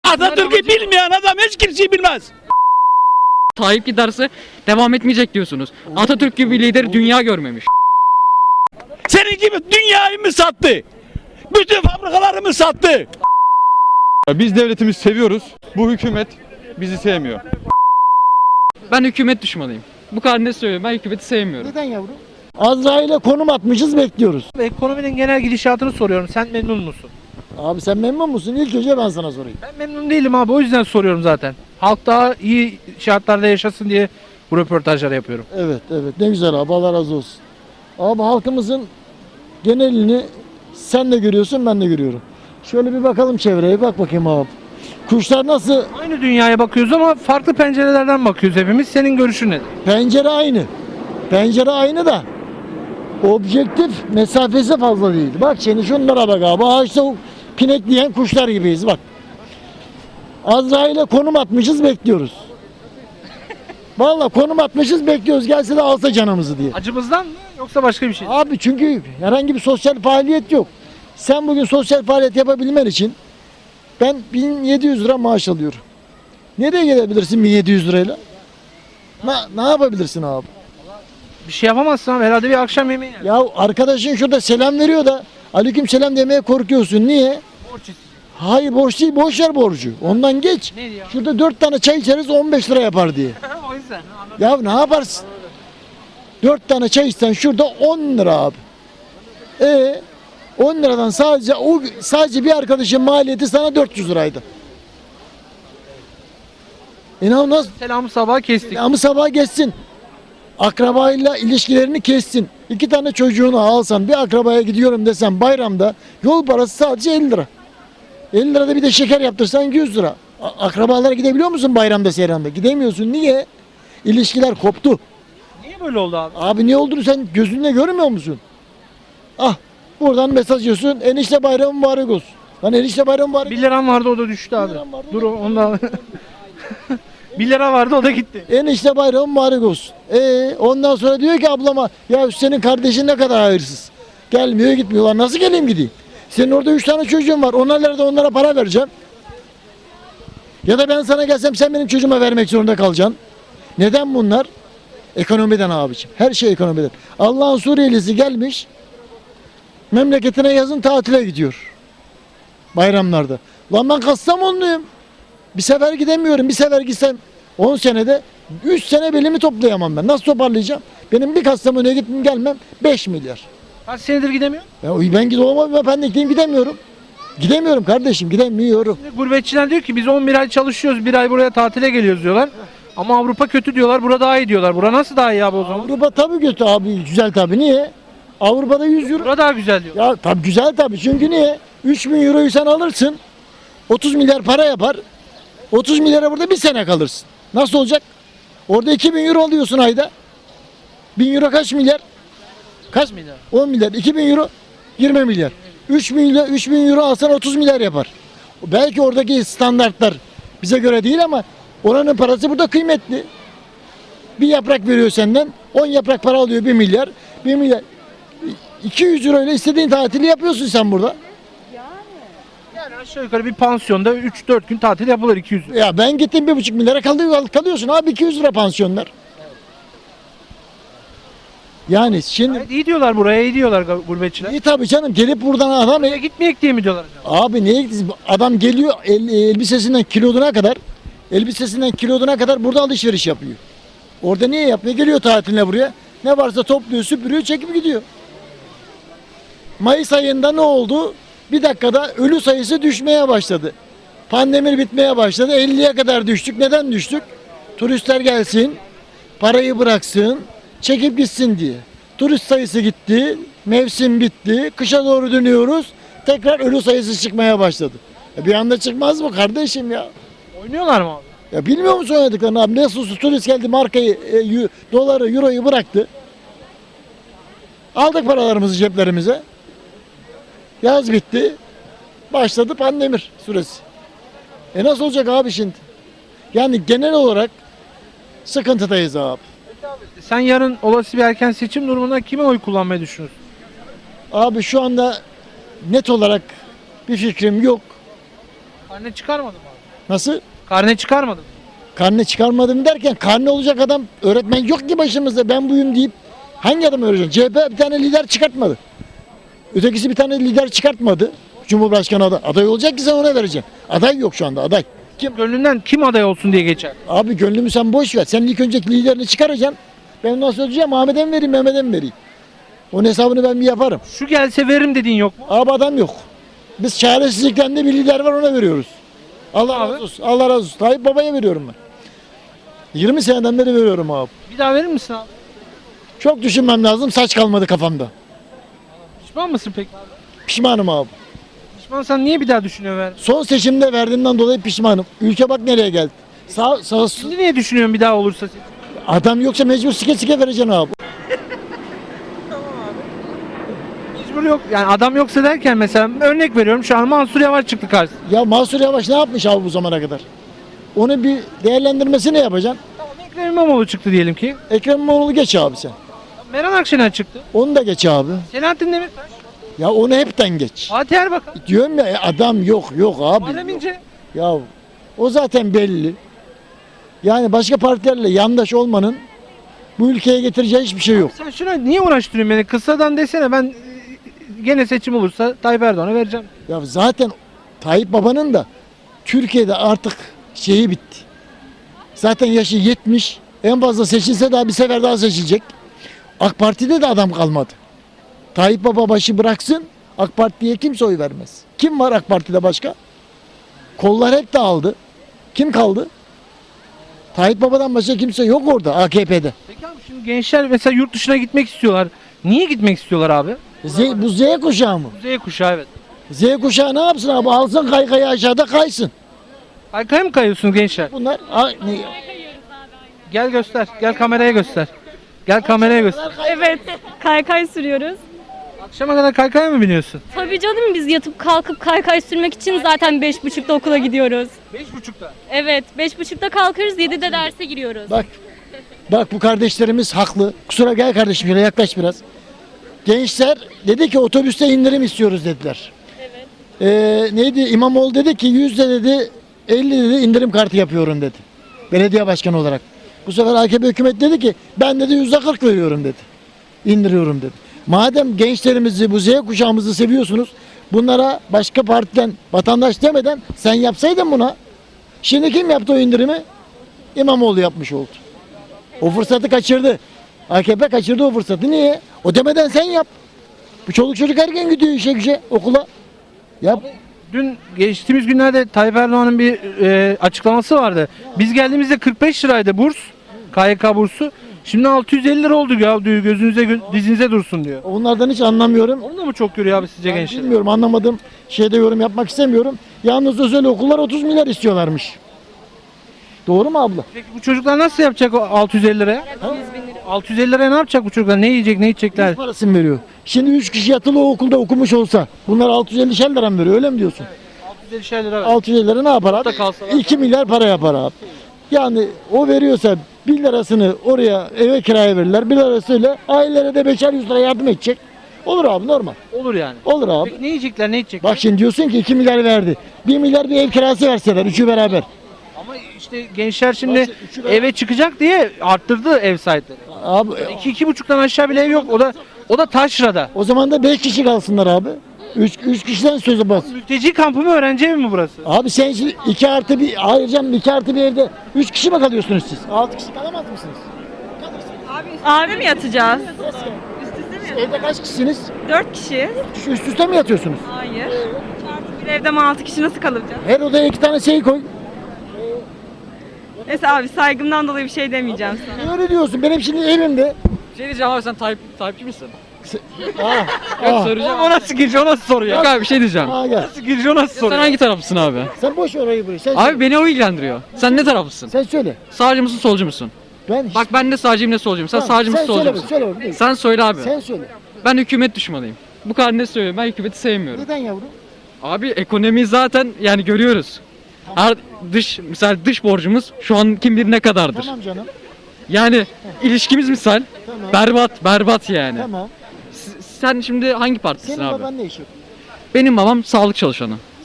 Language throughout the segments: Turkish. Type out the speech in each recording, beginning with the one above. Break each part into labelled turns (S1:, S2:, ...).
S1: Atatürk'ü bilmeyen adam hiç kimseyi bilmez.
S2: Tayyip giderse devam etmeyecek diyorsunuz. Atatürk gibi bir lider dünya görmemiş.
S1: Senin gibi dünyayı mı sattı? Bütün fabrikalarımı sattı.
S3: Biz devletimizi seviyoruz. Bu hükümet bizi sevmiyor.
S2: Ben hükümet düşmanıyım. Bu kadar ne söylüyorum, ben hükümeti sevmiyorum.
S4: Neden yavrum? Azrail'e konum atmışız, bekliyoruz.
S5: Ekonominin genel gidişatını soruyorum. Sen memnun musun?
S4: Abi sen memnun musun? İlk önce ben sana sorayım.
S5: Ben memnun değilim abi. O yüzden soruyorum zaten. Halk daha iyi şartlarda yaşasın diye bu röportajları yapıyorum.
S4: Evet, evet. Ne güzel abi. Allah razı olsun. Abi halkımızın genelini sen de görüyorsun, ben de görüyorum. Şöyle bir bakalım çevreye. Bak bakayım abi. Kuşlar nasıl?
S5: Aynı dünyaya bakıyoruz ama farklı pencerelerden bakıyoruz hepimiz. Senin görüşün nedir?
S4: Pencere aynı. Pencere aynı da objektif mesafesi fazla değil. Bak şimdi şunlara bak abi. Ağaçta pinekleyen kuşlar gibiyiz bak. Azrail'e konum atmışız, bekliyoruz. Vallahi konum atmışız, bekliyoruz. Gelse de alsa canımızı diye.
S5: Acımızdan mı yoksa başka bir şey?
S4: Abi çünkü herhangi bir sosyal faaliyet yok. Sen bugün sosyal faaliyet yapabilmen için ben 1700 lira maaş alıyorum. Nereye gelebilirsin 1700 lirayla? Ne yapabilirsin abi?
S5: Bir şey yapamazsın abi. Herhalde bir akşam yemeği yer.
S4: Ya arkadaşın şurada selam veriyor da aleyküm selam demeye korkuyorsun. Niye?
S5: Borç istiyor.
S4: Hayır borç değil, boş ver borcu. Ondan geç.
S5: Ne diyor?
S4: Şurada 4 tane çay içeriz 15 lira yapar diye.
S5: O yüzden.
S4: Ya ne yaparsın? 4 tane çay içsen şurada 10 lira abi. 10 liradan sadece bir arkadaşın maliyeti sana 400 liraydı. İnan nasıl?
S5: Selamı sabah kestik.
S4: Ama sabah geçsin. Akrabayla ilişkilerini kessin. 2 tane çocuğunu alsan bir akrabaya gidiyorum desen bayramda yol parası sadece 50 lira. 50 lirada bir de şeker yaptırsan 100 lira. Akrabalara gidebiliyor musun bayramda seyranda? Gidemiyorsun. Niye? İlişkiler koptu.
S5: Niye böyle oldu abi?
S4: Abi ne olduğunu sen gözünle görmüyor musun? Ah buradan mesaj yiyorsun. Enişte bayramı mübarek olsun. Lan enişte bayramı mübarek
S5: 1 liram vardı o da düştü abi.
S4: liram vardı, o
S5: Dur
S4: da
S5: ondan. 1 lira vardı o da gitti.
S4: Enişte bayramı mübarek olsun. Ondan sonra diyor ki ablama ya senin kardeşin ne kadar hayırsız. Gelmiyor gitmiyor. Lan nasıl geleyim gideyim? Senin orada 3 tane çocuğun var. Onlara para vereceğim. Ya da ben sana gelsem sen benim çocuğuma vermek zorunda kalacaksın. Neden bunlar? Ekonomiden abiciğim. Her şey ekonomiden. Allah'ın Suriyelisi gelmiş. Memleketine yazın tatile gidiyor. Bayramlarda. Lan ben Kastamonluyum. Bir sefer gidemiyorum. Bir sefer gitsem 10 senede 3 sene belimi toplayamam ben. Nasıl toparlayacağım? Benim bir Kastamonu'ya gitmem gelmem 5 milyar.
S5: Kaç senedir gidemiyor?
S4: Ben gidemem. Ben de gidemiyorum. Gidemiyorum kardeşim. Gidemiyorum.
S5: Şimdi gurbetçiler diyor ki biz 11 ay çalışıyoruz, 1 ay buraya tatile geliyoruz diyorlar. Ama Avrupa kötü diyorlar, burada daha iyi diyorlar. Bura nasıl daha iyi abi o zaman?
S4: Avrupa tabii kötü abi. Güzel tabii. Niye? Avrupa'da 100 euro.
S5: Bura daha güzel diyor.
S4: Ya tabii güzel tabii. Çünkü niye? 3000 euroyu sen alırsın. 30 milyar para yapar. 30 milyara burada bir sene kalırsın. Nasıl olacak? Orada 2000 euro alıyorsun ayda. 1000 euro kaç milyar? Kaç
S5: milyar?
S4: 10 milyar. 2000 euro 20 milyar. 3000 euro alsan 30 milyar yapar. Belki oradaki standartlar bize göre değil ama oranın parası burada kıymetli. Bir yaprak veriyor senden. 10 yaprak para alıyor 1 milyar. 1 milyar. 200 euro ile istediğin tatili yapıyorsun sen burada.
S5: Yani aşağı yukarı bir pansiyonda 3-4 gün tatil yapılır 200 lira.
S4: Ya ben gittim 1,5 milyara kalıyorsun abi 200 lira pansiyonlar. Yani şimdi
S5: Evet, iyi diyorlar buraya, iyi diyorlar gurbetçiler.
S4: iyi tabii canım gelip buradan adam
S5: Buraya gitmeyek diye mi diyorlar acaba?
S4: abi neye gidiyorsun? Adam geliyor elbisesinden kiloduna kadar burada alışveriş yapıyor. Orada niye yapıyor? Geliyor tatiline buraya. Ne varsa topluyor, süpürüyor, çekip gidiyor. Mayıs ayında ne oldu? Bir dakikada ölü sayısı düşmeye başladı. Pandemi bitmeye başladı. 50'ye kadar düştük. Neden düştük? Turistler gelsin, parayı bıraksın, çekip gitsin diye. Turist sayısı gitti, mevsim bitti, kışa doğru dönüyoruz. Tekrar ölü sayısı çıkmaya başladı. Bir anda çıkmaz mı kardeşim ya?
S5: Oynuyorlar mı abi?
S4: Ya bilmiyor musun oynadıklarını abi? Nasıl turist geldi markayı, doları, euroyu bıraktı. Aldık paralarımızı ceplerimize. Yaz bitti. Başladı pandemi süresi. Nasıl olacak abi şimdi? Yani genel olarak sıkıntıdayız abi.
S5: Sen yarın olası bir erken seçim durumunda kime oy kullanmayı düşünüyorsun?
S4: Abi şu anda net olarak bir fikrim yok.
S5: Anne çıkarmadım abi.
S4: Nasıl?
S5: Karne çıkarmadın.
S4: Karne çıkarmadım derken karne olacak adam öğretmen yok ki başımızda ben buyum deyip hangi adam öğretecek? CHP bir tane lider çıkartmadı. Ötekisi bir tane lider çıkartmadı. Cumhurbaşkanı aday olacak ki sen ona vereceksin. Aday yok şu anda aday.
S5: Gönlünden kim aday olsun diye geçer.
S4: Abi gönlümü sen boş ver. Sen ilk önce liderini çıkaracaksın. Ben nasıl ödeyeceğim? Ahmet'e mi vereyim, Mehmet'e mi vereyim? Onun hesabını ben bir yaparım.
S5: Şu gelse veririm dediğin yok mu?
S4: Abi adam yok. Biz çaresizlikten de bir lider var ona veriyoruz. Allah
S5: Abi.
S4: razı olsun. Allah razı olsun. Tayyip Baba'ya veriyorum ben. 20 seneden beri veriyorum abi.
S5: Bir daha verir misin abi?
S4: Çok düşünmem lazım. Saç kalmadı kafamda.
S5: Pişman mısın peki?
S4: Pişmanım abi.
S5: Pişmansan niye bir daha düşünüyorsun ver?
S4: Son seçimde verdiğimden dolayı pişmanım. Ülke bak nereye geldi. Sağ
S5: Şimdi niye düşünüyorsun bir daha olursa?
S4: adam yoksa mecbur sike vereceksin abi.
S5: Mecbur yok. Yani adam yoksa derken mesela örnek veriyorum şu an Mansur Yavaş çıktı karşısına.
S4: Ya Mansur Yavaş ne yapmış abi bu zamana kadar? Onu bir değerlendirmesini yapacaksın.
S5: Tamam Ekrem İmamoğlu çıktı diyelim ki.
S4: Ekrem İmamoğlu geç abi sen.
S5: Meral Akşener çıktı.
S4: Onu da geç abi.
S5: Selahattin Demirtaş.
S4: Ya onu hepten geç.
S5: Fatih Erbakan.
S4: Diyorum ya adam yok abi.
S5: Muharrem İnce.
S4: Ya o zaten belli. Yani başka partilerle yandaş olmanın bu ülkeye getireceği hiçbir şey yok.
S5: Sen şuna niye uğraştırıyorsun beni? Kısadan desene ben gene seçim olursa Tayyip Erdoğan'a vereceğim.
S4: Ya zaten Tayyip Baba'nın da Türkiye'de artık şeyi bitti. Zaten yaşı 70. En fazla seçilse daha bir sefer daha seçilecek. AK Parti'de de adam kalmadı. Tayyip Baba başı bıraksın. AK Parti'ye kimse oy vermez. Kim var AK Parti'de başka? Kollar hep dağıldı. Kim kaldı? Tayyip Baba'dan başka kimse yok orada AKP'de.
S5: Peki abi şimdi gençler mesela yurt dışına gitmek istiyorlar. Niye gitmek istiyorlar abi?
S4: Bu Z kuşağı mı?
S5: Z kuşağı evet.
S4: Z kuşağı ne yapsın abi? Alsın kaykayı aşağıda kaysın.
S5: Kaykaya mı kayıyorsunuz gençler?
S4: Bunlar
S5: Gel göster. Gel kameraya göster. Gel kameraya göster.
S6: Evet, kaykay sürüyoruz.
S5: Akşama kadar kaykaya mı biniyorsun?
S6: Tabii canım biz yatıp kalkıp kaykay sürmek için zaten 5.30'da okula gidiyoruz.
S5: 5.30'da.
S6: Evet, 5.30'da kalkıyoruz, 7'de derse giriyoruz.
S4: Bak bu kardeşlerimiz haklı. Kusura gel kardeşim şöyle yaklaş biraz. Gençler dedi ki otobüste indirim istiyoruz dediler. Neydi İmamoğlu dedi ki %50 dedi indirim kartı yapıyorum dedi. Belediye başkanı olarak. Bu sefer AKP hükümet dedi ki ben dedi %40 veriyorum dedi. İndiriyorum dedi. Madem gençlerimizi bu Z kuşağımızı seviyorsunuz bunlara başka partiden vatandaş demeden sen yapsaydın buna. Şimdi kim yaptı o indirimi? İmamoğlu yapmış oldu. O fırsatı kaçırdı. AKP kaçırdı o fırsatı. Niye? O demeden sen yap. Bu çoluk çocuk erken gidiyor işe güce okula. Yap.
S5: Dün geçtiğimiz günlerde Tayyip Erdoğan'ın bir açıklaması vardı. Biz geldiğimizde 45 liraydı burs. KYK bursu. Şimdi 650 lira oldu ya diyor gözünüze dizinize dursun diyor.
S4: Onlardan hiç anlamıyorum.
S5: Onu da mı çok görüyor abi sizce
S4: Ben
S5: gençler?
S4: bilmiyorum anlamadım. Şeyde yorum yapmak istemiyorum. Yalnız özel okullar 30 milyar istiyorlarmış. Doğru mu abla?
S5: Peki bu çocuklar nasıl yapacak o 650 liraya? 650 liraya ne yapacak bu çocuklar? Ne yiyecek, ne içecekler?
S4: Parasını veriyor. Şimdi 3 kişi yatılı o okulda okumuş olsa bunlar 650 lira mı veriyor öyle mi diyorsun?
S5: 650 lira.
S4: 650 lira ne yapar
S5: Orada
S4: abi?
S5: kalsalar.
S4: 2 milyar para yapar abi. Yani o veriyorsa 1 lirasını oraya eve kiraya verirler. 1 lirasıyla ailelere de 5'er 100 lira yardım edecek. Olur abi normal.
S5: Olur yani.
S4: Olur abi.
S5: Peki ne yiyecekler, ne içecekler?
S4: Bak şimdi diyorsun ki 2 milyar verdi. 1 milyar bir ev kirası verseler üçü beraber.
S5: Ama işte gençler şimdi
S4: Bak, üçü beraber-
S5: eve çıkacak diye arttırdı ev sahipleri.
S4: Abi
S5: 2-2,5'tan aşağı bile ev yok. O da taşrada.
S4: o zaman da 5 kişi kalsınlar abi. 3 kişiden sözü bas.
S5: Mülteci kampı mı, öğrenci evi mi burası?
S4: Abi sen şimdi 2 artı bir hayır canım 2 artı bir evde 3 kişi mi kalıyorsunuz siz? 6 kişi kalamaz mısınız?
S7: Abi mi yatacağız?
S4: Evde kaç kişisiniz?
S7: 4 kişi.
S4: Üst üste mi yatıyorsunuz?
S7: Hayır. Çarpı bir evde mi 6 kişi nasıl kalacağız?
S4: Her odaya 2 tane şey koy.
S7: Neyse abi saygımdan dolayı bir şey demeyeceğim sana.
S4: Niye öyle diyorsun? Benim şimdi evimde.
S2: Bir şey diyeceğim abi sen Tayyipçi misin?
S4: Ah,
S2: Soracağım.
S5: O nasıl giriş, o nasıl soru ya?
S2: Yok abi bir şey diyeceğim.
S4: gel.
S5: Nasıl giriş, o nasıl soru?
S2: Sen hangi taraflısın abi?
S4: Sen boş ver orayı burayı. Sen
S2: Abi
S4: söyle.
S2: beni o ilgilendiriyor. Sen ne taraflısın?
S4: Sen söyle.
S2: Sağcı mısın solcu musun?
S4: Ben
S2: Bak ben ne sağcıyım ne solcuyum. Sen
S4: Tamam,
S2: sağcı mısın solcu
S4: söyle,
S2: musun?
S4: söyle oğlum, değil.
S2: Sen söyle abi.
S4: Sen söyle.
S2: Ben hükümet düşmanıyım. Bu kadar ne söylüyorum? Ben hükümeti sevmiyorum.
S4: Neden yavrum?
S2: Abi ekonomiyi zaten yani görüyoruz. Her misal dış borcumuz şu an kim bilir ne kadardır.
S4: Tamam canım.
S2: Yani ilişkimiz misal
S4: Tamam.
S2: berbat yani.
S4: Tamam.
S2: Sen şimdi hangi partisin
S4: Senin
S2: abi?
S4: baban ne iş yapıyor?
S2: Benim babam sağlık çalışanı.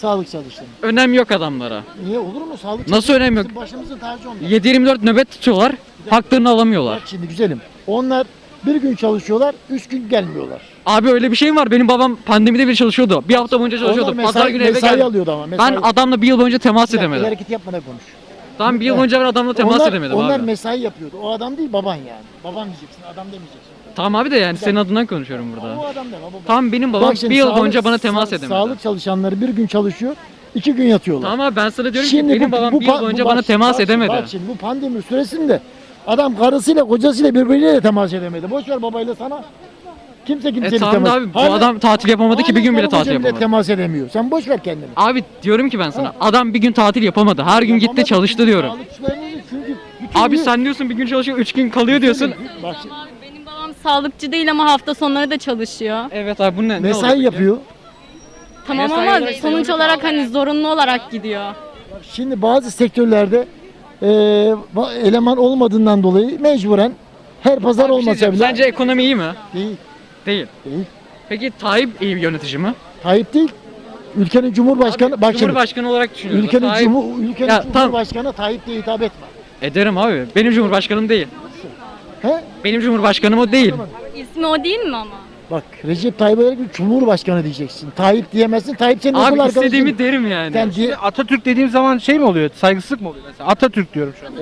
S4: Sağlık çalışanı.
S2: Önem yok adamlara.
S4: Niye olur mu? Sağlık
S2: Nasıl
S4: çalışanı
S2: önem yok?
S4: bizim başımızın tacı onlar.
S2: 7/24 nöbet tutuyorlar. Haklarını alamıyorlar.
S4: Bak şimdi güzelim. Onlar bir gün çalışıyorlar, 3 gün gelmiyorlar.
S2: Abi öyle bir şey mi var? Benim babam pandemide bile çalışıyordu. Bir hafta boyunca çalışıyordu.
S4: Onlar
S2: Pazar günü eve
S4: mesai
S2: geldi.
S4: alıyordu ama.
S2: Ben adamla bir yıl boyunca temas
S4: Bir dakika,
S2: edemedim.
S4: hareket yapmadan konuş.
S2: Tamam bir yıl boyunca ben adamla temas edemedim
S4: onlar
S2: abi.
S4: mesai yapıyordu. O adam değil baban yani. Baban diyeceksin, adam demeyeceksin.
S2: Tamam abi de yani senin adından konuşuyorum
S4: O
S2: burada.
S4: adam deme baba.
S2: Tamam benim babam
S4: Bak şimdi
S2: bir yıl
S4: sağlık-
S2: boyunca bana temas edemedi.
S4: Sağlık çalışanları bir gün çalışıyor, 2 gün yatıyorlar.
S2: Tamam abi ben sana diyorum ki benim babam bir yıl boyunca bana
S4: bak-
S2: temas
S4: bak-
S2: edemedi.
S4: Bak şimdi bu pandemi süresinde adam karısıyla kocasıyla birbiriyle de temas edemedi. Boş ver babayla sana. Kimse kimseyle
S2: Tamam da
S4: temas.
S2: abi bu adam tatil yapamadı ki bir gün bile tatil yapamadı.
S4: temas edemiyor. Sen boş ver kendini.
S2: Abi diyorum ki ben sana adam bir gün tatil yapamadı. Her gün gitti
S4: Yapamadı
S2: çalıştı
S4: çünkü
S2: diyorum.
S4: sağlıkçılarımız çünkü bütün
S2: Abi
S4: gün-
S2: sen diyorsun bir gün çalışıyor 3 gün kalıyor diyorsun.
S4: Bak şimdi,
S6: Benim babam sağlıkçı değil ama hafta sonları da çalışıyor.
S2: Evet abi bu ne?
S4: mesai yapıyor.
S6: Tamam
S2: Mesai
S6: ama
S2: olarak
S6: sonuç olarak hani zorunlu olarak gidiyor.
S4: Şimdi bazı sektörlerde eleman olmadığından dolayı mecburen her pazar olmasa bile
S2: Sence ekonomi iyi mi?
S4: değil.
S2: Değil.
S4: Değil.
S2: Peki Tayyip iyi bir yönetici mi?
S4: Tayyip değil. Ülkenin Cumhurbaşkanı bak şimdi.
S2: Cumhurbaşkanı olarak düşünüyorum.
S4: Ülkenin,
S2: Tayyip-
S4: ülkenin
S2: Ya, tamam.
S4: Cumhurbaşkanı Tayyip diye hitap etme.
S2: Ederim abi. Benim cumhurbaşkanım değil.
S4: He?
S2: Benim cumhurbaşkanım o değil.
S6: İsmi o değil mi ama?
S4: Bak Recep Tayyip Erdoğan Cumhurbaşkanı diyeceksin. Tayyip diyemezsin. Tayyip senin okul
S2: Abi
S4: arkadaşın.
S2: istediğimi derim yani.
S4: Sen diye,
S5: Atatürk dediğim zaman şey mi oluyor? Saygısızlık mı oluyor mesela? Atatürk diyorum şu an.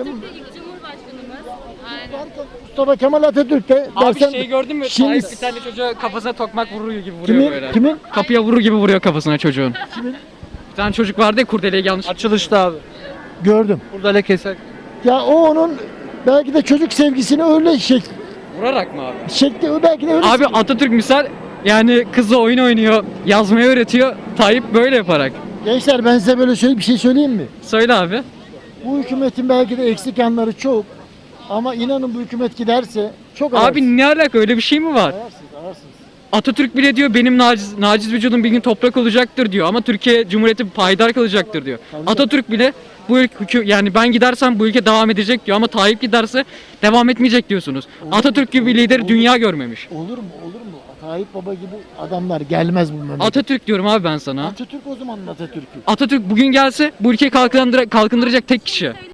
S4: Mustafa Kemal Atatürk de
S2: Abi
S4: dersen,
S2: şey gördün mü?
S4: Şimdi-
S2: Tayyip bir tane çocuğa kafasına tokmak vurur gibi vuruyor
S4: Kimin?
S2: böyle.
S4: Kimin?
S2: Kapıya vurur gibi vuruyor kafasına çocuğun.
S4: Kimin?
S2: Bir tane çocuk vardı ya kurdeleyi yanlış.
S5: Açılışta abi.
S4: Gördüm.
S5: Burada lekeser.
S4: Ya o onun belki de çocuk sevgisini öyle
S2: Vurarak mı abi?
S4: şekli belki de öyle.
S2: Abi Atatürk misal yani kızla oyun oynuyor, yazmayı öğretiyor. Tayyip böyle yaparak.
S4: Gençler ben size böyle bir şey söyleyeyim mi?
S2: Söyle abi.
S4: Bu hükümetin belki de eksik yanları çok. Ama inanın bu hükümet giderse çok ararsınız.
S2: Abi ne alaka öyle bir şey mi var?
S4: Ararsınız.
S2: Atatürk bile diyor benim naciz vücudum bir gün toprak olacaktır diyor ama Türkiye Cumhuriyeti payidar kalacaktır diyor. Atatürk bile bu ülke yani ben gidersem bu ülke devam edecek diyor ama Tayyip giderse devam etmeyecek diyorsunuz. Atatürk gibi bir lider dünya görmemiş.
S4: Olur mu? Olur mu? Tayyip Baba gibi adamlar gelmez bu memlekete.
S2: Atatürk diyorum abi ben sana.
S4: Atatürk o zaman Atatürk'ü.
S2: Atatürk bugün gelse bu ülkeyi kalkındıracak tek kişi.